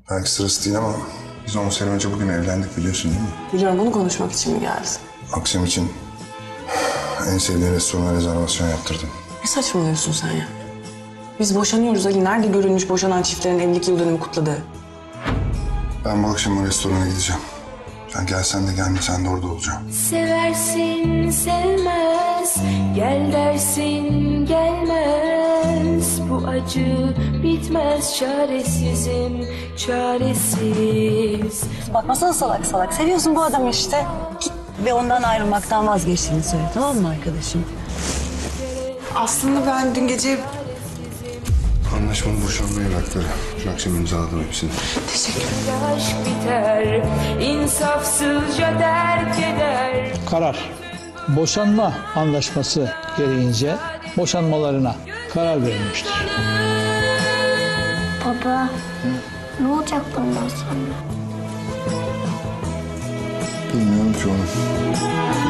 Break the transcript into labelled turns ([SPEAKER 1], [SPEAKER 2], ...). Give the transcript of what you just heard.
[SPEAKER 1] Belki sırası değil ama biz 10 sene önce bugün evlendik biliyorsun değil mi?
[SPEAKER 2] Biliyorum, bunu konuşmak için mi geldin?
[SPEAKER 1] Akşam için en sevdiğin restorana rezervasyon yaptırdım.
[SPEAKER 2] Ne saçmalıyorsun sen ya? Biz boşanıyoruz Ali. Nerede görülmüş boşanan çiftlerin evlilik yıl dönümü kutladığı?
[SPEAKER 1] Ben bu akşam o restorana gideceğim. Sen gelsen de gelmesen de orada olacağım.
[SPEAKER 3] Seversin sevmez, gel dersin gelmez. Bu acı bitmez, çaresizim çaresiz.
[SPEAKER 4] Bakmasana salak salak. Seviyorsun bu adamı işte. Git ve ondan ayrılmaktan vazgeçtiğini söyle, tamam mı arkadaşım?
[SPEAKER 2] Aslında ben dün gece...
[SPEAKER 1] Anlaşmanın boşanma evrakları. Şu akşam imzaladım hepsini.
[SPEAKER 3] Aşk biter, insafsızca terk eder.
[SPEAKER 5] Karar. Boşanma anlaşması gereğince boşanmalarına karar verilmiştir.
[SPEAKER 6] Baba, ne olacak bundan sonra?
[SPEAKER 1] Bilmiyorum ki oğlum.